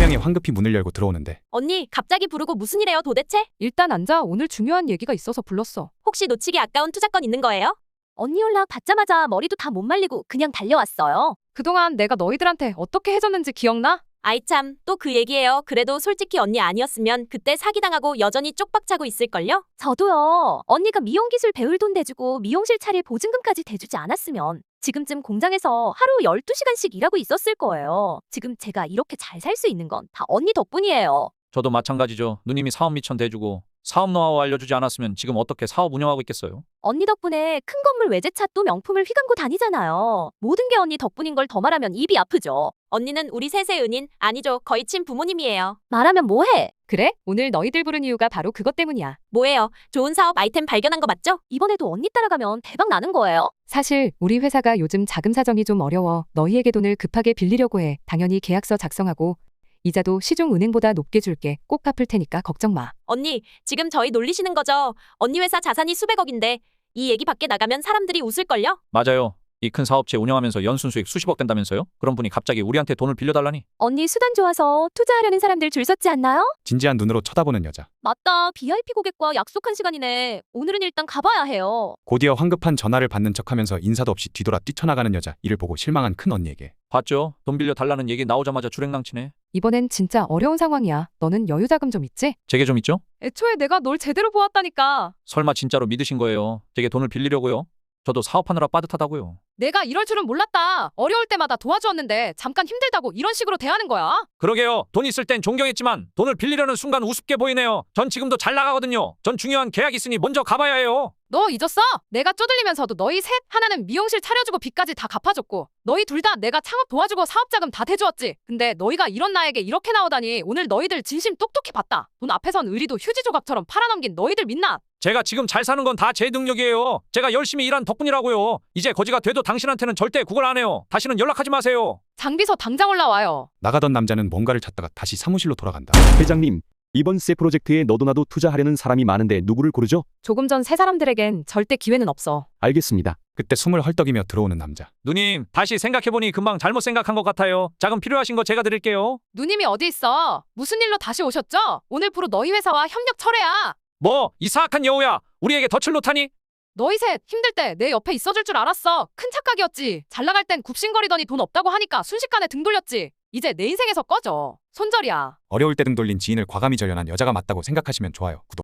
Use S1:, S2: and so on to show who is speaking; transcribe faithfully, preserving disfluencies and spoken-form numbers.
S1: 팀장이 황급히 문을 열고 들어오는데
S2: 언니, 갑자기 부르고 무슨 일이에요 도대체?
S3: 일단 앉아. 오늘 중요한 얘기가 있어서 불렀어.
S2: 혹시 놓치기 아까운 투자권 있는 거예요?
S4: 언니 연락 받자마자 머리도 다 못 말리고 그냥 달려왔어요.
S3: 그동안 내가 너희들한테 어떻게 해줬는지 기억나?
S2: 아이 참, 또 그 얘기예요. 그래도 솔직히 언니 아니었으면 그때 사기당하고 여전히 쪽박차고 있을걸요?
S4: 저도요. 언니가 미용 기술 배울 돈 대주고 미용실 차릴 보증금까지 대주지 않았으면 지금쯤 공장에서 하루 열두 시간씩 일하고 있었을 거예요. 지금 제가 이렇게 잘 살 수 있는 건 다 언니 덕분이에요.
S5: 저도 마찬가지죠. 누님이 사업 미천 대주고 사업 노하우 알려주지 않았으면 지금 어떻게 사업 운영하고 있겠어요?
S4: 언니 덕분에 큰 건물 외제차 또 명품을 휘감고 다니잖아요. 모든 게 언니 덕분인 걸 더 말하면 입이 아프죠.
S2: 언니는 우리 셋의 은인, 아니죠. 거의 친부모님이에요.
S4: 말하면 뭐해?
S3: 그래? 오늘 너희들 부른 이유가 바로 그것 때문이야.
S2: 뭐예요? 좋은 사업 아이템 발견한 거 맞죠?
S4: 이번에도 언니 따라가면 대박 나는 거예요.
S3: 사실 우리 회사가 요즘 자금 사정이 좀 어려워 너희에게 돈을 급하게 빌리려고 해. 당연히 계약서 작성하고 이자도 시중은행보다 높게 줄게. 꼭 갚을 테니까 걱정 마.
S2: 언니, 지금 저희 놀리시는 거죠? 언니 회사 자산이 수백억인데 이 얘기 밖에 나가면 사람들이 웃을걸요?
S5: 맞아요. 이 큰 사업체 운영하면서 연순 수익 수십억 된다면서요? 그런 분이 갑자기 우리한테 돈을 빌려달라니?
S4: 언니 수단 좋아서 투자하려는 사람들 줄 섰지 않나요?
S1: 진지한 눈으로 쳐다보는 여자.
S4: 맞다. 브이아이피 고객과 약속한 시간이네. 오늘은 일단 가봐야 해요.
S1: 곧이어 황급한 전화를 받는 척하면서 인사도 없이 뒤돌아 뛰쳐나가는 여자. 이를 보고 실망한 큰 언니에게
S5: 봤죠? 돈 빌려달라는 얘기 나오자마자 줄행랑치네.
S3: 이번엔 진짜 어려운 상황이야. 너는 여유 자금 좀 있지?
S5: 제게 좀 있죠?
S3: 애초에 내가 널 제대로 보았다니까.
S5: 설마 진짜로 믿으신 거예요? 제게 돈을 빌리려고요? 저도 사업하느라 빠듯하다고요.
S3: 내가 이럴 줄은 몰랐다. 어려울 때마다 도와주었는데 잠깐 힘들다고 이런 식으로 대하는 거야?
S5: 그러게요. 돈 있을 땐 존경했지만 돈을 빌리려는 순간 우습게 보이네요. 전 지금도 잘 나가거든요. 전 중요한 계약 있으니 먼저 가봐야 해요.
S3: 너 잊었어? 내가 쪼들리면서도 너희 셋 하나는 미용실 차려주고 빚까지 다 갚아줬고 너희 둘 다 내가 창업 도와주고 사업자금 다 대주었지. 근데 너희가 이런 나에게 이렇게 나오다니 오늘 너희들 진심 똑똑히 봤다. 돈 앞에선 의리도 휴지 조각처럼 팔아넘긴 너희들 믿나?
S5: 제가 지금 잘 사는 건 다 제 능력이에요. 제가 열심히 일한 덕분이라고요. 이제 거지가 돼도 당신한테는 절대 구걸 안 해요. 다시는 연락하지 마세요.
S3: 장비서 당장 올라와요.
S1: 나가던 남자는 뭔가를 찾다가 다시 사무실로 돌아간다.
S6: 회장님, 이번 새 프로젝트에 너도나도 투자하려는 사람이 많은데 누구를 고르죠?
S3: 조금 전 세 사람들에겐 절대 기회는 없어.
S6: 알겠습니다.
S1: 그때 숨을 헐떡이며 들어오는 남자.
S5: 누님, 다시 생각해보니 금방 잘못 생각한 것 같아요. 자금 필요하신 거 제가 드릴게요.
S3: 누님이 어디 있어? 무슨 일로 다시 오셨죠? 오늘부로 너희 회사와 협력 철회야.
S5: 뭐? 이 사악한 여우야. 우리에게 덫을 놓다니?
S3: 너희 셋 힘들 때 내 옆에 있어줄 줄 알았어. 큰 착각이었지. 잘 나갈 땐 굽신거리더니 돈 없다고 하니까 순식간에 등 돌렸지. 이제 내 인생에서 꺼져. 손절이야.
S1: 어려울 때 등 돌린 지인을 과감히 절연한 여자가 맞다고 생각하시면 좋아요. 구독.